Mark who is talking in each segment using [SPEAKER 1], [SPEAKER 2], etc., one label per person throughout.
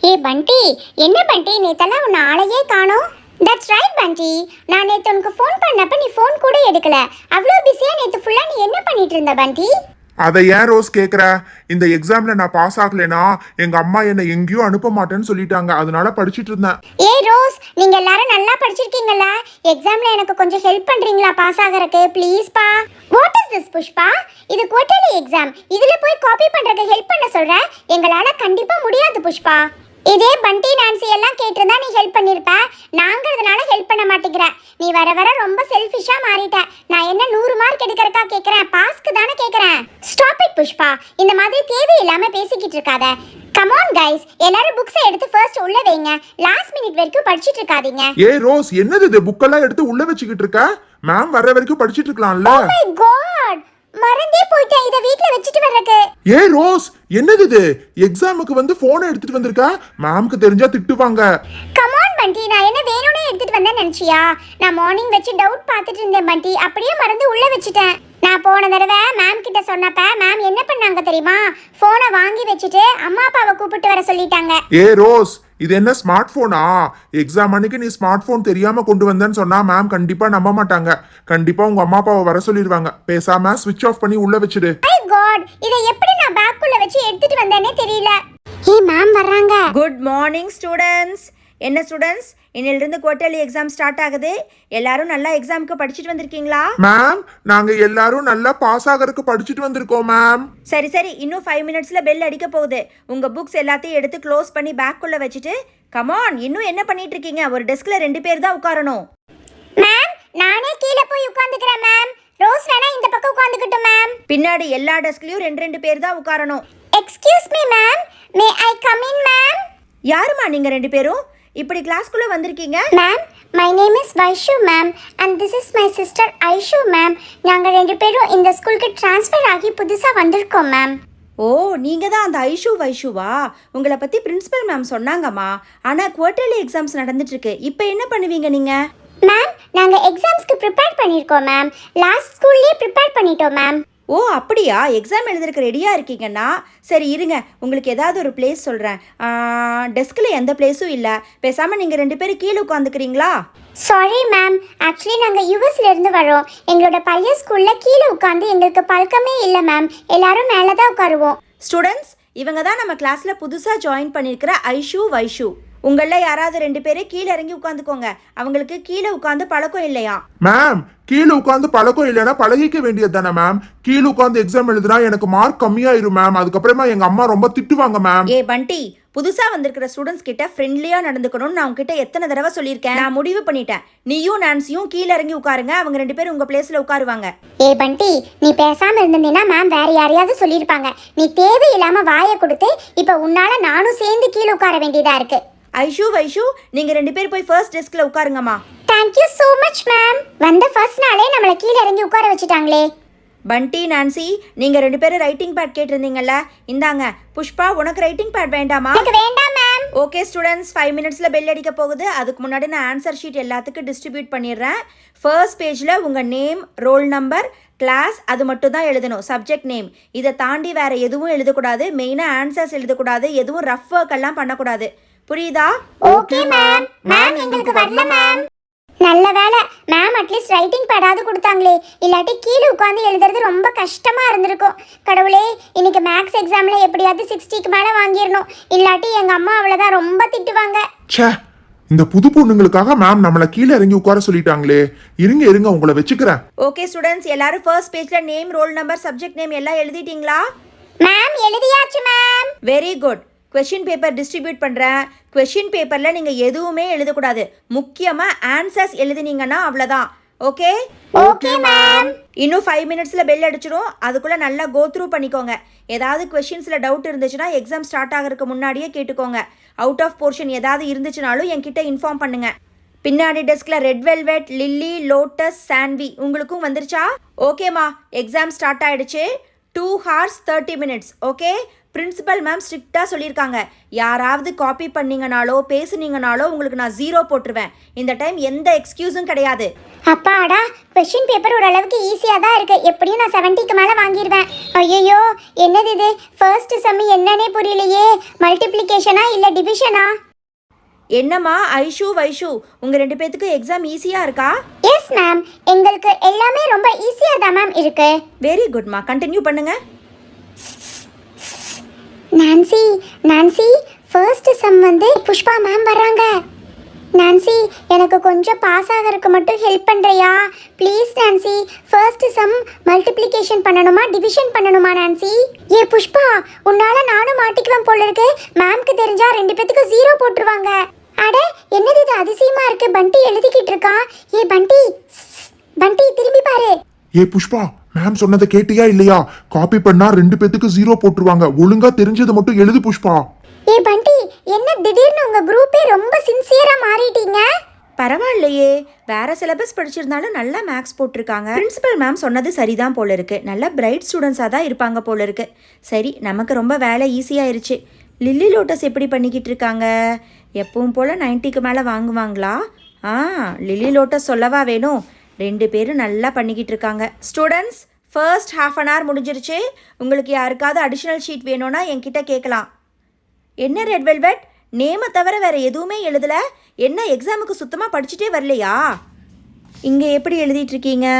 [SPEAKER 1] ஏ பண்டி, என்ன பண்டி நேத்தெல்லாம் உன்னை ஆளையே காணோம். தட்ஸ் ரைட் பண்டி, நான் நேற்று உனக்கு ஃபோன் பண்ணப்ப நீ ஃபோன் கூட எடுக்கல. அவ்வளோ பிஸியா நேற்று ஃபுல்லா நீ என்ன பண்ணிட்டு இருந்த பண்டி?
[SPEAKER 2] அதை ஏன் ரோஸ் கேட்குற? இந்த எக்ஸாம்ல நான் பாஸ் ஆகலைனா எங்க அம்மா என்னை எங்கேயும் அனுப்ப மாட்டேன்னு சொல்லிட்டாங்க. அதனால படிச்சிட்டு இருந்தேன்.
[SPEAKER 1] ஏ ரோஸ், நீங்க எல்லாரும் நல்லா படிச்சிருக்கீங்களா? எக்ஸாம்ல எனக்கு கொஞ்சம் ஹெல்ப் பண்றீங்களா பாஸ் ஆகறதுக்கு ப்ளீஸ் பா? What is this Pushpa? இது குவார்ட்டர்லி எக்ஸாம். இதுல போய் காப்பி பண்றதுக்கு ஹெல்ப் பண்ண சொல்ற? எங்களால கண்டிப்பா முடியாது புஷ்பா. இதே பண்டி நான்சி எல்லாம் கேட்டிருந்தா நீ ஹெல்ப் பண்ணிருப்ப. நாங்கிறதுனால ஹெல்ப் பண்ண மாட்டேங்கிற. நீ வர வர ரொம்ப செல்ஃபிஷா மாறிட்ட. நான் என்ன 100 மார்க் எடுக்கறக்கா கேக்குறேன், பாஸ்க்கு தானே கேக்குறேன். ஸ்டாப் இட் புஷ்பா, இந்த மாதிரி தேவையில்லாம பேசிக்கிட்டு இருக்காத. கம் ஆன் கைஸ், எல்லாரும் புக்ஸ் எடுத்து ஃபர்ஸ்ட் உள்ள வைங்க. லாஸ்ட் மினிட் வரைக்கும் படிச்சிட்டு இருக்காதீங்க.
[SPEAKER 2] ஏய் ரோஸ், என்னது இது? புக்கெல்லாம் எடுத்து உள்ள வச்சுக்கிட்டு இருக்க? மேம் வர்ற வரைக்கும் படிச்சிட்டு இருக்கலாம்ல?
[SPEAKER 1] ஓ மை காட், மறந்தே போயிட்டேன் இத வீட்ல வச்சிட்டு வரக்கு.
[SPEAKER 2] ஏய் ரோஸ், என்னது இது? எக்ஸாமுக்கு வந்து போனை எடுத்துட்டு வந்திருக்க? மேம்க்கு தெரிஞ்சா திட்டுவாங்க.
[SPEAKER 1] கம் ஆன் பண்டி, நான் என்ன வேணும்னே எடுத்துட்டு வந்தேன் நினைச்சியா? நான் மார்னிங் வச்சு டவுட் பார்த்துட்டு இருந்தேன் பண்டி, அப்படியே மறந்து உள்ள வச்சிட்டேன். நான் போன தடவை மேம் கிட்ட சொன்னப்ப மேம் என்ன பண்ணாங்க தெரியுமா? போனை வாங்கி வச்சுட்டு அம்மா அப்பாவை கூப்பிட்டு வர சொல்லிட்டாங்க.
[SPEAKER 2] ஏய் ரோஸ், இது என்ன ஸ்மார்ட் போனா? எக்ஸாம் அன்னைக்கு நீ ஸ்மார்ட் போன் தெரியாம கொண்டு வந்தேன்னு சொன்னா மேம் கண்டிப்பா நம்ப மாட்டாங்க. கண்டிப்பா உங்க அம்மா அப்பாவை வர சொல்லிடுவாங்க. பேசாம ஸ்விட்ச் ஆஃப் பண்ணி உள்ள வச்சிடு.
[SPEAKER 1] மை காட், இதை எப்படி நான் பேக்குள்ள வச்சு எடுத்துட்டு வந்தேனே தெரியல. ஏய் மேம் வர்றாங்க.
[SPEAKER 3] Good morning students. என்ன ஸ்டூடெண்ட்ஸ், இன்னிலிருந்து குவார்ட்டர்லி எக்ஸாம் ஸ்டார்ட் ஆகுது. எல்லாரும் நல்லா எக்ஸாமுக்கு படிச்சுட்டு வந்திருக்கீங்களா?
[SPEAKER 2] மேம், நாங்க எல்லாரும் நல்லா பாஸ் ஆகறதுக்கு படிச்சுட்டு வந்திருக்கோம் மேம்.
[SPEAKER 3] சரி சரி, இன்னும் 5 மினிட்ஸ்ல பெல் அடிக்க போகுது. உங்க புக்ஸ் எல்லாத்தையும் எடுத்து க்ளோஸ் பண்ணி பேக்குள்ள வச்சுட்டு கமான், இன்னும் என்ன பண்ணிட்டு இருக்கீங்க? ஒரு டெஸ்க்ல 2 பேர் தான் உட்காரணும்.
[SPEAKER 1] மேம், நானே கீழ போய் உட்கார்ந்துக்கறேன் மேம். ரோஸ் வேணா இந்த பக்கம் உட்கார்ந்துக்கட்டும் மேம்.
[SPEAKER 3] பின்னாடி எல்லா டெஸ்க்லயும் 2 பேர் தான் உட்காரணும்.
[SPEAKER 1] Excuse me ma'am, may I come in ma'am?
[SPEAKER 3] யாருமா நீங்க 2 பேரும் இப்படி கிளாஸ்க்குள்ள வந்திருக்கீங்க?
[SPEAKER 1] Ma'am, my name is Vaishu ma'am and this is my sister Aishu ma'am. நாங்க 2 பேரும் இந்த ஸ்கூலுக்கு ட்ரான்ஸ்ஃபர் ஆகி புதுசா வந்திருக்கோம் மேம்.
[SPEAKER 3] ஓ, நீங்க தான் அந்த வைஷுவா? உங்களை பத்தி பிரின்சிபல் மேம் சொன்னாங்கம்மா. ஆனா குவார்ட்டர்லி எக்ஸாம்ஸ் நடந்துட்டு இருக்கு. இப்போ என்ன பண்ணுவீங்க நீங்க?
[SPEAKER 1] மேம், நாங்க எக்ஸாம்ஸ்க்கு ப்ரிப்பேர் பண்ணிருக்கோம் மேம். லாஸ்ட் ஸ்கூல்லயே ப்ரிப்பேர் பண்ணிட்டோம் மேம்.
[SPEAKER 3] ஓ அப்படியா? எக்ஸாம் எழுதுறதுக்கு ரெடியாக இருக்கீங்கன்னா சரி இருங்க, உங்களுக்கு ஏதாவது ஒரு பிளேஸ் சொல்கிறேன். டெஸ்கில் எந்த பிளேஸும் இல்லை. பேசாமல் நீங்கள் 2 பேரும் கீழே உட்காந்துக்கிறீங்களா?
[SPEAKER 1] சாரி மேம், ஆக்சுவலி நாங்கள் யூஎஸ்ல இருந்து வரோம். எங்களோட பழைய ஸ்கூலில் கீழே உட்காந்து எங்களுக்கு பழக்கமே இல்லை மேம். எல்லாரும் மேலே தான் உட்காருவோம்.
[SPEAKER 3] ஸ்டூடெண்ட்ஸ், இவங்க தான் நம்ம கிளாஸில் புதுசாக ஜாயின் பண்ணியிருக்கிற ஐஷு வைஷு. உங்களில் யாராவது 2 பேரே கீழே இறங்கி உட்காந்துக்கோங்க. அவங்களுக்கு கீழே உட்காந்து பழக்கம் இல்லையா?
[SPEAKER 2] மேம், கீழே உட்காந்து பழக்கம் இல்லைன்னா பழகிக்க வேண்டியது தானே மேம். கீழே உட்காந்து எக்ஸாம் எழுதுனா எனக்கு மார்க் கம்மியாயிரும் மேம். அதுக்கப்புறமா எங்க அம்மா ரொம்ப திட்டுவாங்க மேம்.
[SPEAKER 3] ஏ பண்டி, புதுசா வந்திருக்கிற ஸ்டூடெண்ட்ஸ் கிட்ட ஃப்ரெண்ட்லியா நடந்துக்கணும்னு நான் உங்ககிட்ட எத்தனை தடவை சொல்லியிருக்கேன். நான் முடிவு பண்ணிட்டேன். நீயும் நான்சியும் கீழே இறங்கி உட்காருங்க. அவங்க 2 பேரும் உங்க பிளேஸ்ல உட்காருவாங்க.
[SPEAKER 1] ஏ பண்டி, நீ பேசாம இருந்தீன்னா மேம் வேற யாரையாவது சொல்லியிருப்பாங்க. நீ தேவையில்லாம வாயை கொடுத்து இப்ப உன்னால நானும் சேர்ந்து கீழே உட்கார வேண்டியதா இருக்கு.
[SPEAKER 3] ஐஷு வைஷு, நீங்க 2 பேர் போய் ஃபர்ஸ்ட் டெஸ்க்ல உட்காருங்கம்மா.
[SPEAKER 1] Thank you so much ma'am. வந்த ஃபர்ஸ்ட் நாளே நம்மளை கீழே இறங்கி உட்கார வச்சுட்டாங்களே.
[SPEAKER 3] பண்டி நான்சி, நீங்க 2 பேரும் ரைட்டிங் பேட் கேட்டிருந்தீங்கல்ல, இந்தாங்க. புஷ்பா, உனக்கு ரைட்டிங் பேட் வேண்டாமா?
[SPEAKER 1] எனக்கு வேண்டாம் மேம்.
[SPEAKER 3] ஓகே ஸ்டூடெண்ட்ஸ், 5 மினிட்ஸ்ல பெல் அடிக்க போகுது. அதுக்கு முன்னாடி நான் ஆன்சர் ஷீட் எல்லாத்துக்கும் டிஸ்ட்ரிபியூட் பண்ணிடுறேன். ஃபர்ஸ்ட் பேஜில் உங்கள் நேம், ரோல் நம்பர், கிளாஸ் அது மட்டும் தான் எழுதணும். சப்ஜெக்ட் நேம் இதை தாண்டி வேற எதுவும் எழுதக்கூடாது. மெயினாக ஆன்சர்ஸ் எழுதக்கூடாது. எதுவும் ரஃப் ஒர்க் எல்லாம் பண்ணக்கூடாது. புரியுதா?
[SPEAKER 1] Okay ma'am. மேம், எங்களுக்கு வரல மேம். நல்ல வேளை மேம் அட்லீஸ்ட் ரைட்டிங் பேடாவது கொடுத்தாங்களே. இல்லாட்டி கீழே உட்காந்து எழுதுறது ரொம்ப கஷ்டமா இருந்திருக்கும். கடவுளே, இன்னைக்கு மேக்ஸ் எக்ஸாம்ல எப்படியாவது 60க்கு மேலே வாங்கிடணும். இல்லாட்டி எங்க அம்மா அவ்வளோதான் ரொம்ப திட்டுவாங்க.
[SPEAKER 2] ச்சே, இந்த புது பொண்ணுங்களுக்காக மேம் நம்மளை கீழே இறங்கி உட்கார சொல்லிட்டாங்களே. இருங்க உங்களை வச்சுக்கிறேன்.
[SPEAKER 3] ஓகே ஸ்டூடெண்ட்ஸ், எல்லாரும் ஃபர்ஸ்ட் பேஜ்ல name, roll number, subject name எல்லாம் எழுதிட்டீங்களா?
[SPEAKER 1] மேம், எழுதியாச்சு ma'am.
[SPEAKER 3] Very good. Question paper distribute பண்ணுறேன். கொஷின் பேப்பரில் நீங்கள் எதுவுமே எழுதக்கூடாது. முக்கியமாக ஆன்சர்ஸ் எழுதினீங்கன்னா அவ்வளோதான். Okay
[SPEAKER 1] okay ma'am.
[SPEAKER 3] இன்னும் 5 மினிட்ஸில் பெல் அடிச்சிடும். அதுக்குள்ளே நல்லா கோ த்ரூ பண்ணிக்கோங்க. ஏதாவது கொஷின்ஸில் டவுட் இருந்துச்சுன்னா எக்ஸாம் ஸ்டார்ட் ஆகிறதுக்கு முன்னாடியே கேட்டுக்கோங்க. அவுட் ஆஃப் போர்ஷன் ஏதாவது இருந்துச்சுனாலும் என்கிட்ட இன்ஃபார்ம் பண்ணுங்க. பின்னாடி டெஸ்கில் red velvet, lily, lotus, Saanvi உங்களுக்கும் வந்துருச்சா? ஓகேம்மா, எக்ஸாம் ஸ்டார்ட் ஆகிடுச்சு. 2 hours 30 minutes. Okay, principal ma'am ஸ்ட்ரிக்டாக சொல்லியிருக்காங்க, யாராவது காப்பி பண்ணீங்கனாலோ பேசுனீங்கனாலோ உங்களுக்கு நான் 0 போட்டுருவேன். இந்த டைம் எந்த எக்ஸ்கியூஸும் கிடையாது.
[SPEAKER 1] அப்பாடா, கொஸ்டின் பேப்பர் ஓரளவுக்கு ஈஸியாக தான் இருக்கு. எப்படியும் நான் 70க்கு மேலே வாங்கிடுவேன். ஐயோ, என்னது இது? ஃபர்ஸ்ட் சம் என்னன்னே புரியலையே. மல்டிப்ளிகேஷனா இல்லை டிவிஷனா?
[SPEAKER 3] என்னம்மா ஐஷு வைஷு, உங்கள் 2 பேத்துக்கும் எக்ஸாம் ஈஸியாக இருக்கா?
[SPEAKER 1] எஸ் மேம், எங்களுக்கு எல்லாமே ரொம்ப ஈஸியாக தான் மேம் இருக்கு.
[SPEAKER 3] வெரி குட்மா, கண்டினியூ பண்ணுங்க.
[SPEAKER 1] நான்சி நான்சி, ஃபர்ஸ்ட் சம் வந்து புஷ்பா மேம் வர்றாங்க. நான்சி, எனக்கு கொஞ்சம் பாஸ் ஆகிறதுக்கு மட்டும் ஹெல்ப் பண்ணுறியா please? Nancy, first sum multiplication பண்ணணுமா டிவிஷன் பண்ணணுமா? நான்சி, ஏ புஷ்பா, உன்னால நானும் மாட்டிக்குவேன் போல இருக்கு. மேம்க்கு தெரிஞ்சா 2 பேத்துக்கு 0 போட்டுருவாங்க. அட, என்னது இது அதிசயமா இருக்கு? பண்டி எழுதிக்கிட்டு இருக்கான். ஏ பண்டி, பண்டி திரும்பி பாரு.
[SPEAKER 2] ஏ புஷ்பா, மேம் சொன்னதை கேட்டியா இல்லையா? காப்பி பண்ணா 2 பேத்துக்கு 0 போட்டுருவாங்க. ஒழுங்கா தெரிஞ்சதை மட்டும் எழுது புஷ்பா.
[SPEAKER 1] ஏ பண்டி, என்ன திடீர்னு உங்க குரூப்பே ரொம்ப சின்சியரா மாறிட்டீங்க?
[SPEAKER 3] பரவாயில்லையே, வேற சிலபஸ் படிச்சிருந்தாலும் நல்லா மேக்ஸ் போட்டிருக்காங்க. பிரின்சிபல் மேம் சொன்னது சரிதான் போல இருக்கு. நல்லா பிரைட் ஸ்டூடெண்ட்ஸாக தான் இருப்பாங்க போல இருக்கு. சரி, நமக்கு ரொம்ப வேலை ஈஸியாயிருச்சு. லில்லி லோட்டஸ் எப்படி பண்ணிக்கிட்டு இருக்காங்க? எப்பவும் போல் 90க்கு மேலே வாங்குவாங்களா? லில்லி லோட்டஸ் சொல்லவா வேணும். 2 பேரும் நல்லா பண்ணிக்கிட்டு இருக்காங்க. ஸ்டூடெண்ட்ஸ், ஃபர்ஸ்ட் ½ அன் ஹவர் முடிஞ்சிருச்சு. உங்களுக்கு யாருக்காவது அடிஷ்னல் ஷீட் வேணும்னா என்கிட்ட கேட்கலாம். என்ன ரெட் வெல்வெட், நேமை தவிர வேறு எதுவுமே எழுதலை? என்ன எக்ஸாமுக்கு சுத்தமாக படிச்சுட்டே வரலையா? இங்கே எப்படி எழுதிட்டுருக்கீங்க?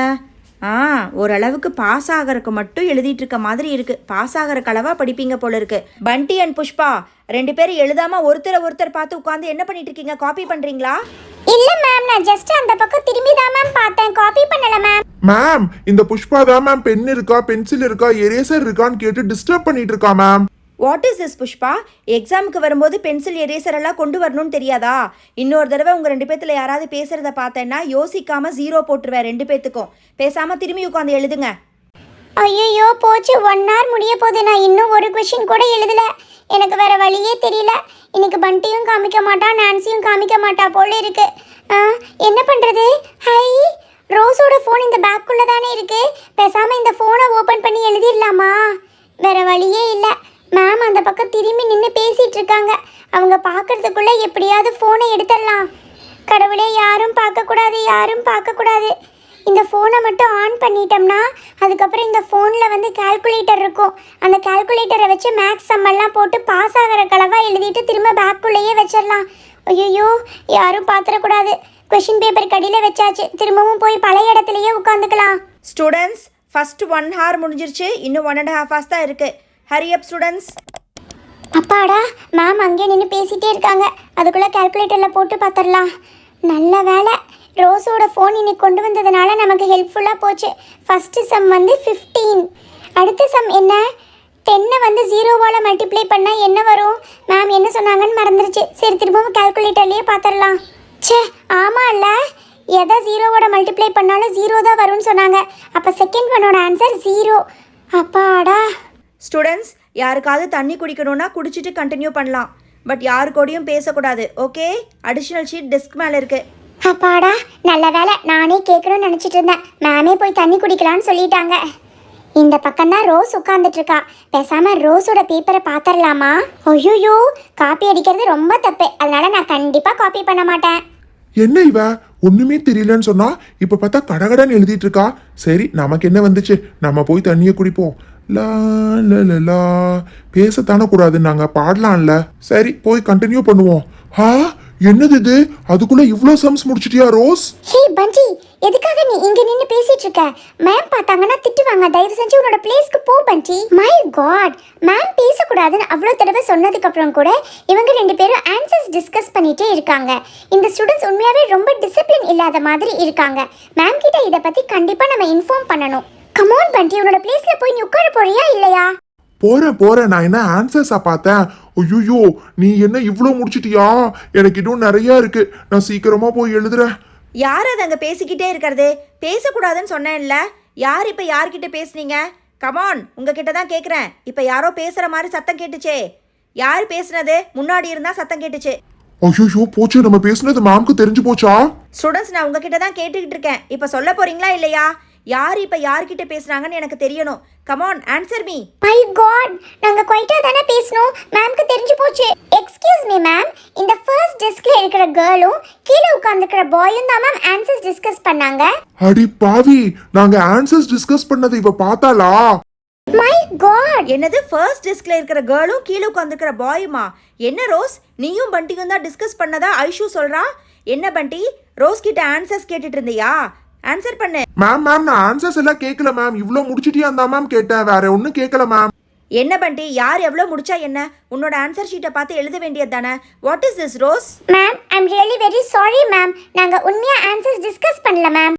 [SPEAKER 3] ஓரளவுக்கு பாஸ் ஆகிறதுக்கு மட்டும் எழுதிட்டு இருக்க மாதிரி இருக்குது. பாஸ் ஆகிற அளவாக படிப்பீங்க போல இருக்கு. பண்டி அண்ட் புஷ்பா 2 பேரும் எழுதாமல் ஒருத்தர் பார்த்து உட்காந்து என்ன பண்ணிட்டு இருக்கீங்க? காப்பி பண்ணுறீங்களா?
[SPEAKER 1] இல்ல மேம், நான் ஜஸ்ட் அந்த பக்கம் திரும்பி தான் மேம் பார்த்தேன். காப்பி பண்ணல மேம்.
[SPEAKER 2] மேம், இந்த புஷ்பா தான் மேம் பென் இருக்கா, பென்சில் இருக்கா, எரேசர் இருக்கான்னு கேட்டு டிஸ்டர்ப் பண்ணிட்டு இருக்கா ma'am.
[SPEAKER 3] What is this Pushpa? எக்ஸாமுக்கு வரும்போது பென்சில் எரேசர் எல்லாம் கொண்டு வரணும்னு தெரியாதா? இன்னொரு தடவை உங்கள் 2 பேத்துல யாராவது பேசுகிறத பார்த்தேன்னா யோசிக்காமல் 0 போட்டுருவேன் 2 பேத்துக்கும். பேசாமல் திரும்பி உட்காந்து எழுதுங்க.
[SPEAKER 1] ஐயோ, போச்சு, 1 hour முடிய போகுது. நான் இன்னும் ஒரு கொஸ்டின் கூட எழுதல. எனக்கு வேற வழியே தெரியல. இன்னைக்கு பண்டியும் காமிக்க மாட்டா, நான்சியும் காமிக்க மாட்டா போல இருக்கு. என்ன பண்றது? ஹை, ரோஸோட ஃபோன் இந்த பேக்குள்ள தானே இருக்கு. பேசாம இந்த ஃபோனை ஓபன் பண்ணி எழுதிடலாமா? வேற வழியே இல்லை. மேம் அந்த பக்கம் திரும்பி நின்று பேசிட்டு இருக்காங்க. அவங்க பார்க்கறதுக்குள்ள எப்படியாவது ஃபோனை எடுத்துடலாம். கடவுளே, யாரும் பார்க்கக்கூடாது, யாரும் பார்க்கக்கூடாது. இந்த ஃபோனை மட்டும் ஆன் பண்ணிட்டோம்னா அதுக்கப்புறம் இந்த ஃபோனில் வந்து கால்குலேட்டர் இருக்கும். அந்த கால்குலேட்டரை வச்சு மேக்ஸ் சம்மெல்லாம் போட்டு பாஸ் ஆகிற கலவாக எழுதிட்டு திரும்ப பேக்குள்ளேயே வச்சிடலாம். ஐயோ, யாரும் பார்த்துடக்கூடாது. கொஷின் பேப்பர் கடியில் வச்சாச்சு. திரும்பவும் போய் பழைய இடத்துலையே உட்காந்துக்கலாம்.
[SPEAKER 3] ஸ்டூடெண்ட்ஸ், ஃபர்ஸ்ட் 1 hour முடிஞ்சிருச்சு. இன்னும் 1.5 hours தான் இருக்குது. Hurry up students.
[SPEAKER 1] அப்பாடா, மேம் அங்கே நின்று பேசிகிட்டே இருக்காங்க. அதுக்குள்ளே கால்குலேட்டரில் போட்டு பார்த்துடலாம். நல்ல வேலை, ரோஸோட ஃபோன் இன்னைக்கு கொண்டு வந்ததுனால நமக்கு ஹெல்ப்ஃபுல்லாக போச்சு. ஃபஸ்ட்டு சம் வந்து 15. அடுத்த சம் என்ன? 10 வந்து 0வால் மல்டிப்ளை பண்ணால் என்ன வரும்? மேம் என்ன சொன்னாங்கன்னு மறந்துருச்சு. சரி, திரும்பவும் கால்குலேட்டர்லேயே பார்த்துடலாம். ச்சே, ஆமாம் இல்லை, எதை 0வோட மல்டிப்ளை பண்ணாலும் 0 தான் வரும்னு சொன்னாங்க. அப்போ செகண்ட் ஒன்னோட ஆன்சர் 0. அப்பாடா.
[SPEAKER 3] ஸ்டூடெண்ட்ஸ், யாருக்காவது தண்ணி குடிக்கணும்னா குடிச்சிட்டு கண்டினியூ பண்ணலாம். பட் யாரு கூடயும் பேசக்கூடாது. ஓகே? அடிஷ்னல் ஷீட் டெஸ்க் மேலே இருக்குது.
[SPEAKER 1] அப்பாடா, நல்ல வேலை, நானே கேட்கணும்னு நினச்சிட்டு இருந்தேன். மேமே போய் தண்ணி குடிக்கலான்னு சொல்லிட்டாங்க. இந்த பக்கம் தான் ரோஸ் உட்காந்துட்டு இருக்கா. பேசாம ரோஸோட பேப்பரை பார்த்துடலாமா? ஐயோ, காப்பி அடிக்கிறது ரொம்ப தப்பு. அதனால நான் கண்டிப்பா காப்பி பண்ண மாட்டேன்.
[SPEAKER 2] என்ன இவ ஒண்ணுமே தெரியலன்னு சொன்னா இப்ப பார்த்தா கடகடன்னு எழுதிட்டு இருக்கா. சரி, நமக்கு என்ன வந்துச்சு, நம்ம போய் தண்ணியை குடிப்போம். லா லா லா லா. பேசத்தானே கூடாதுன்னு நாங்க பாடலாம்ல. சரி, போய் கண்டினியூ பண்ணுவோம். என்னது இது? அதுக்குள்ள இவ்ளோ சம்ஸ் முடிச்சிட்டியா ரோஸ்?
[SPEAKER 1] ஹே பஞ்சி, எதுக்காக நீ இங்க நின்னு பேசிட்டு இருக்க? மேம் பார்த்தாங்கன்னா திட்டுவாங்க. தயவு செஞ்சு உன்னோட பிளேஸ்க்கு போ பஞ்சி. மை காட், மேம் பேசக்கூடாதுன்னு அவ்வளோ தடவை சொன்னதுக்கு அப்புறம் கூட இவங்க 2 பேரும் ஆன்சர்ஸ் டிஸ்கஸ் பண்ணிட்டே இருக்காங்க. இந்த ஸ்டூடெண்ட்ஸ் உண்மையாவே ரொம்ப டிசிப்ளின் இல்லாத மாதிரி இருக்காங்க. மேம் கிட்ட இதை பத்தி கண்டிப்பா நம்ம இன்ஃபார்ம் பண்ணணும். கமான் பஞ்சி, உன்னோட பிளேஸ்ல போய் நீ உட்கார போறியா இல்லையா?
[SPEAKER 2] போறேன். நான் என்ன ஆன்சர்ஸா பார்த்தேன்? ஐயோ, நீ என்ன இவ்ளோ முடிச்சிட்டியா? எனக்கு இன்னும் நிறைய இருக்கு. நான் சீக்கிரமா போய் எழுதுறேன்.
[SPEAKER 3] யார் அது அங்கே பேசிக்கிட்டே இருக்கிறது? பேசக்கூடாதுன்னு சொன்னேன்ல. யார் இப்போ யார்கிட்ட பேசுனீங்க? கமான், உங்ககிட்ட தான் கேட்குறேன். இப்போ யாரோ பேசுகிற மாதிரி சத்தம் கேட்டுச்சே. யார் பேசுனது? முன்னாடி இருந்தால் சத்தம் கேட்டுச்சு.
[SPEAKER 2] ஐயோ, போச்சு, நம்ம பேசுனது மேம்க்கு தெரிஞ்சு போச்சா?
[SPEAKER 3] ஸ்டூடெண்ட்ஸ், நான் உங்ககிட்ட தான் கேட்டுக்கிட்டு இருக்கேன். இப்போ சொல்ல போறீங்களா இல்லையா? யார் இப்போ யார்கிட்ட பேசுகிறாங்கன்னு எனக்கு தெரியணும். Come on answer me.
[SPEAKER 1] My god, நாங்க குவைட்டா தானே பேசணும். மேம்க்கு தெரிஞ்சு போச்சு. எக்ஸ்கியூஸ் மீ மேம், இந்த ஃபர்ஸ்ட் டெஸ்க்ல இருக்கிற கேர்ளும் கீழே உட்கார்ந்துக்கிற பாயும் தான் மேம் ஆன்சர்ஸ் டிஸ்கஸ் பண்ணாங்க.
[SPEAKER 2] அடி பாவி, நாங்க ஆன்சர்ஸ் டிஸ்கஸ் பண்ணதை இவ பார்த்தாளா?
[SPEAKER 1] மை காட்,
[SPEAKER 3] என்னது ஃபர்ஸ்ட் டெஸ்க்ல இருக்கிற கேர்ளும் கீழே உட்காந்துக்கிற பாயுமா? என்ன ரோஸ், நீயும் பண்டியும் தான் டிஸ்கஸ் பண்ணதா ஐஷு சொல்றா. என்ன பண்டி, ரோஸ் கிட்ட ஆன்சர்ஸ் கேட்டுட்டு இருந்தியா? ஆன்சர் பண்ணு.
[SPEAKER 2] மேம் நான் ஆன்சர்ஸ் எல்லாம் கேட்கல மேம். இவ்ளோ முடிச்சிட்டியா தான் மேம் கேட்டேன், வேற ஒன்றும் கேட்கல மேம்.
[SPEAKER 3] என்ன பண்டி, யார் எவ்வளோ முடிச்சா என்ன? உன்னோட ஆன்சர் ஷீட்டை பார்த்து எழுத வேண்டியது தானே. What is this Rose?
[SPEAKER 1] Ma'am I am really very sorry ma'am. நாங்க உண்மையா ஆன்சர்ஸ் டிஸ்கஸ் பண்ணல மேம்.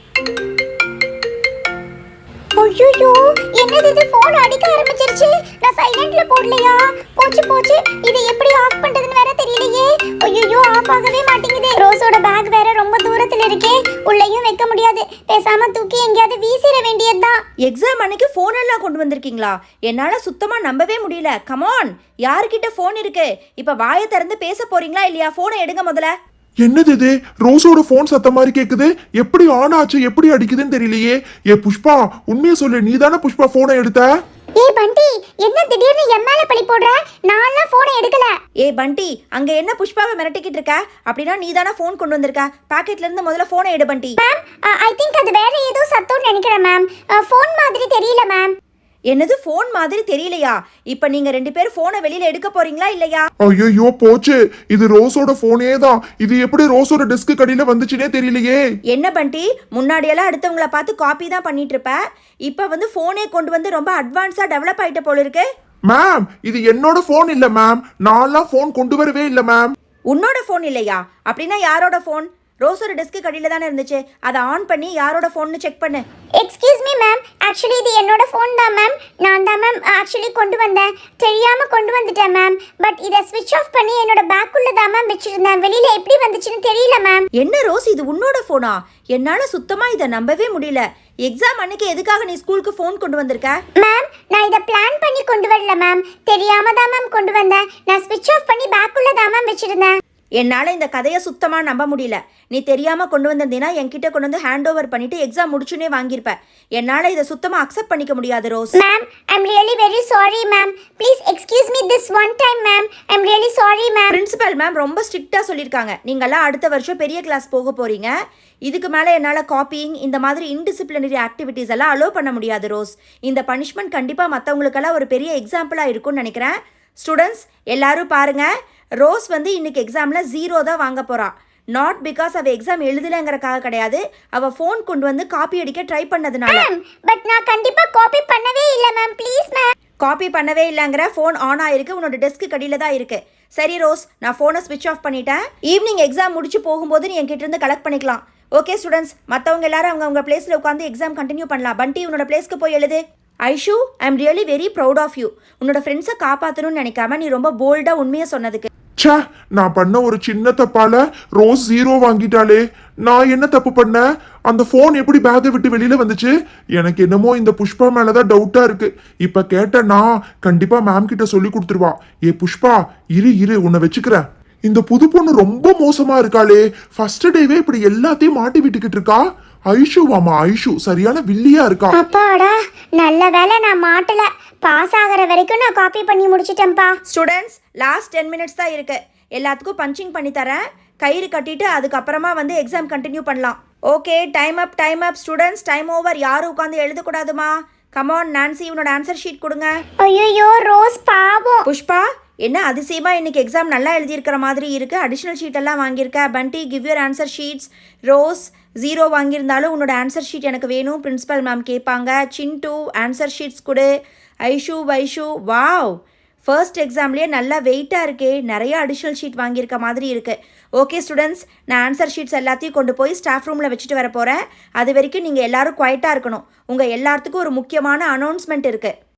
[SPEAKER 1] ஐயோ, என்னது இது? ஃபோன் அடிக்க ஆரம்பிச்சிருச்சு. நான் சைலண்ட்ல போடலையா? போச்சு. இதை எப்படி ஆஃப் பண்றதுன்னு வேற தெரியலையே. ஐயோ, ஆஃப் ஆகவே மாட்டேங்குது. ரோஸோட பேக் வேற ரொம்ப தூரத்துல இருக்கே, உள்ளேயும் வைக்க முடியாது. பேசாம தூக்கி எங்கேயாவது வீசிட வேண்டியதுதான்.
[SPEAKER 3] எக்ஸாம் அன்னைக்கு ஃபோன் எல்லாம் கொண்டு வந்திருக்கீங்களா? என்னால் சுத்தமாக நம்பவே முடியல. கமான், யார்கிட்ட ஃபோன் இருக்கு? இப்போ வாயை திறந்து பேச போறீங்களா இல்லையா? ஃபோனை எடுங்க முதல்ல.
[SPEAKER 2] என்னது இது? ரோஸோட போன் சத்த மாதிரி கேக்குது. எப்படி ஆன் ஆச்சு, எப்படி அடிக்குதுன்னு தெரியலையே. ஏ புஷ்பா, உண்மையை சொல்லு, நீ தானே புஷ்பா போனை எடுத்த?
[SPEAKER 1] ஏய் பண்டி, என்ன திடீர்னு என் மேல பழி போடுற? நான்லாம் போனை எடுக்கல.
[SPEAKER 3] ஏ பண்டி, அங்க என்ன புஷ்பாவை மிரட்டிக்கிட்டு இருக்க? அப்படின்னா நீ தானே ஃபோன் கொண்டு வந்திருக்க. பாக்கெட்ல இருந்து முதல்ல ஃபோனை எடு பண்டி.
[SPEAKER 1] மேம் ஐ திங்க் அது வேற ஏதோ சத்தம்னு நினைக்கிறேன் மேம். ஃபோன் மாதிரி தெரியல மேம்.
[SPEAKER 3] என்னது ஃபோன் மாதிரி தெரியலையா? இப்போ நீங்க ரெண்டு பேரும் ஃபோனை வெளியில எடுக்க போறீங்களா இல்லையா?
[SPEAKER 2] ஐயோ போச்சு, இது ரோஸோட போனே தான். இது எப்படி ரோஸோட டெஸ்க் கடியில வந்துச்சுனே தெரியலையே.
[SPEAKER 3] என்ன பண்டி, முன்னாடியெல்லாம் அடுத்தவங்கள பார்த்து காப்பி தான் பண்ணிட்டு இருப்ப. இப்போ வந்து ஃபோனே கொண்டு வந்து ரொம்ப அட்வான்ஸா டெவலப் ஆயிட்ட போல இருக்கு.
[SPEAKER 2] மேம் இது என்னோட போன் இல்ல மேம். நான்லாம் போன் கொண்டு வரவே இல்ல மேம்.
[SPEAKER 3] உன்னோட ஃபோன் இல்லையா? அப்படின்னா யாரோட ஃபோன்? ரோஸோட டெஸ்க்கு கடியில தானே இருந்துச்சு. அதை ஆன் பண்ணி யாரோட ஃபோன்னு செக் பண்ணு.
[SPEAKER 1] எக்ஸ்கியூஸ் மீ மேம், ஆக்சுவலி இது என்னோட ஃபோன் தான் மேம். நான் தான் மேம் ஆக்சுவலி கொண்டு வந்தேன். தெரியாம கொண்டு வந்துட்டேன் மேம். பட் இதை ஸ்விட்ச் ஆஃப் பண்ணி என்னோட பேக்குள்ள தான் மேம் வச்சிருந்தேன். வெளியில எப்படி வந்துச்சுன்னு தெரியல மேம்.
[SPEAKER 3] என்ன ரோஸ், இது உன்னோட ஃபோனா? என்னால சுத்தமா இதை நம்பவே முடியல. எக்ஸாம் அன்னைக்கு எதுக்காக நீ ஸ்கூலுக்கு ஃபோன் கொண்டு வந்திருக்க?
[SPEAKER 1] மேம் நான் இதை பிளான் பண்ணி கொண்டு வரல மேம். தெரியாம தான் மேம் கொண்டு வந்தேன். நான் ஸ்விட்ச் ஆஃப் பண்ணி பேக்குள்ள தான் மேம் வச்சிருந்தேன்.
[SPEAKER 3] என்னால் இந்த கதையை சுத்தமாக நம்ப முடியல. நீ தெரியாமல் கொண்டு வந்திருந்தீன்னா என்கிட்ட கொண்டு வந்து ஹேண்ட் ஓவர் பண்ணிட்டு எக்ஸாம் முடிச்சுனே வாங்கியிருப்ப. என்னால் இதை சுத்தமாக அக்செப்ட் பண்ணிக்க முடியாது Rose.
[SPEAKER 1] Ma'am I am really very sorry ma'am. Please excuse me this one time ma'am. I am really sorry ma'am.
[SPEAKER 3] Principal ma'am ரொம்ப ஸ்ட்ரிக்டாக சொல்லியிருக்காங்க. நீங்கள்லாம் அடுத்த வருஷம் பெரிய கிளாஸ் போக போகிறீங்க. இதுக்கு மேலே என்னால் காப்பிங் இந்த மாதிரி இன்டிசிப்ளினரி ஆக்டிவிட்டீஸ் எல்லாம் அலோவ் பண்ண முடியாது ரோஸ். இந்த பனிஷ்மெண்ட் கண்டிப்பாக மற்றவங்களுக்கெல்லாம் ஒரு பெரிய எக்ஸாம்பிளாக இருக்கும்னு நினைக்கிறேன். ஸ்டூடெண்ட்ஸ் எல்லாரும் பாருங்கள், ரோஸ் வந்து இன்னைக்கு எக்ஸாமில் 0 தான் வாங்க போகிறா. நாட் பிகாஸ் அவள் எக்ஸாம் எழுதலைங்கிறக்காக கிடையாது, அவள் ஃபோன் கொண்டு வந்து காப்பி அடிக்க ட்ரை பண்ணதுனால.
[SPEAKER 1] பட் நான் கண்டிப்பா காப்பி பண்ணவே இல்ல மேம். Please ma'am.
[SPEAKER 3] காப்பி பண்ணவே இல்லைங்கிற, ஃபோன் ஆன் ஆயிருக்கு, உன்னோட டெஸ்க்கு கடியில் தான் இருக்குது. சரி ரோஸ், நான் ஃபோனை ஸ்விட்ச் ஆஃப் பண்ணிட்டேன். ஈவினிங் எக்ஸாம் முடிச்சு போகும்போது நீ என்கிட்ட இருந்து கலெக்ட் பண்ணிக்கலாம். ஓகே ஸ்டூடெண்ட்ஸ், மற்றவங்க எல்லாரும் அவங்க பிளேஸில் உட்காந்து எக்ஸாம் கண்டினியூ பண்ணலாம். பண்டி உன்னோட பிளேஸ்க்கு போய் எழுது. Aishu, I am really very proud of you. உன்னோட ஃப்ரெண்ட்ஸை காப்பாற்றணும்னு நினைக்காம நீ ரொம்ப போல்டாக உண்மையை சொன்னதுக்கு.
[SPEAKER 2] ச்சே, நான் பண்ண ஒரு சின்ன தப்பால ரோஸ் 0 வாங்கிட்டாளே. நான் என்ன தப்பு பண்ணேன்? அந்த போன் எப்படி பேக்கை விட்டு வெளியில வந்துச்சு? எனக்கு என்னமோ இந்த புஷ்பா மேலதான் டவுட்டா இருக்கு. இப்ப கேட்டேன்னா கண்டிப்பா மேம் கிட்ட சொல்லி கொடுத்துருவா. ஏ புஷ்பா, இரு உன்னை வச்சுக்கிறேன். இந்த புது பொண்ணு ரொம்ப மோசமா இருக்காளே. ஃபர்ஸ்ட் டேவே இப்படி எல்லாத்தையும் மாட்டி விட்டுக்கிட்டு இருக்கா. ஐஷுவாமா, ஐஷு சரியான வில்லியா இருக்கா.
[SPEAKER 1] அப்பாடா, நல்ல வேளை நான் மாட்டல. பாஸ் ஆகிற வரைக்கும் நான் காப்பி பண்ணி முடிச்சிட்டேன்ப்பா.
[SPEAKER 3] ஸ்டூடெண்ட்ஸ் லாஸ்ட் 10 மினிட்ஸ் தான் இருக்கு. எல்லாத்துக்கும் பஞ்சிங் பண்ணி தரேன். கயிறு கட்டிட்டு அதுக்கப்புறமா வந்து எக்ஸாம் கண்டினியூ பண்ணலாம். Okay, time up students, time over. யாரும் உட்காந்து எழுதக்கூடாதுமா. கமான் நான்சி, உன்னோட ஆன்சர் ஷீட் கொடுங்க.
[SPEAKER 1] ஐயோ ரோஸ் பாவம்.
[SPEAKER 3] புஷ்பா, என்ன அதிசயமா இன்னைக்கு எக்ஸாம் நல்லா எழுதியிருக்கிற மாதிரி இருக்கு. அடிஷ்னல் ஷீட் எல்லாம் வாங்கியிருக்க. பண்டி, கிவ் யூர் ஆன்சர் ஷீட்ஸ். ரோஸ் 0 வாங்கியிருந்தாலும் உன்னோட ஆன்சர் ஷீட் எனக்கு வேணும், பிரின்சிபல் மேம் கேட்பாங்க. சின்ட்டு ஆன்சர் ஷீட்ஸ் கொடு. ஐஷு, வைஷு, வாவ், ஃபர்ஸ்ட் எக்ஸாம்லேயே நல்லா வெயிட்டாக இருக்கே. நிறைய அடிஷ்னல் ஷீட் வாங்கியிருக்க மாதிரி இருக்குது. ஓகே ஸ்டூடெண்ட்ஸ், நான் ஆன்சர் ஷீட்ஸ் எல்லாத்தையும் கொண்டு போய் ஸ்டாஃப் ரூமில் வச்சுட்டு வர போகிறேன். அது வரைக்கும் நீங்கள் எல்லோரும் குவைட்டாக இருக்கணும். உங்கள் எல்லாத்துக்கும் ஒரு முக்கியமான அனௌன்ஸ்மெண்ட் இருக்குது.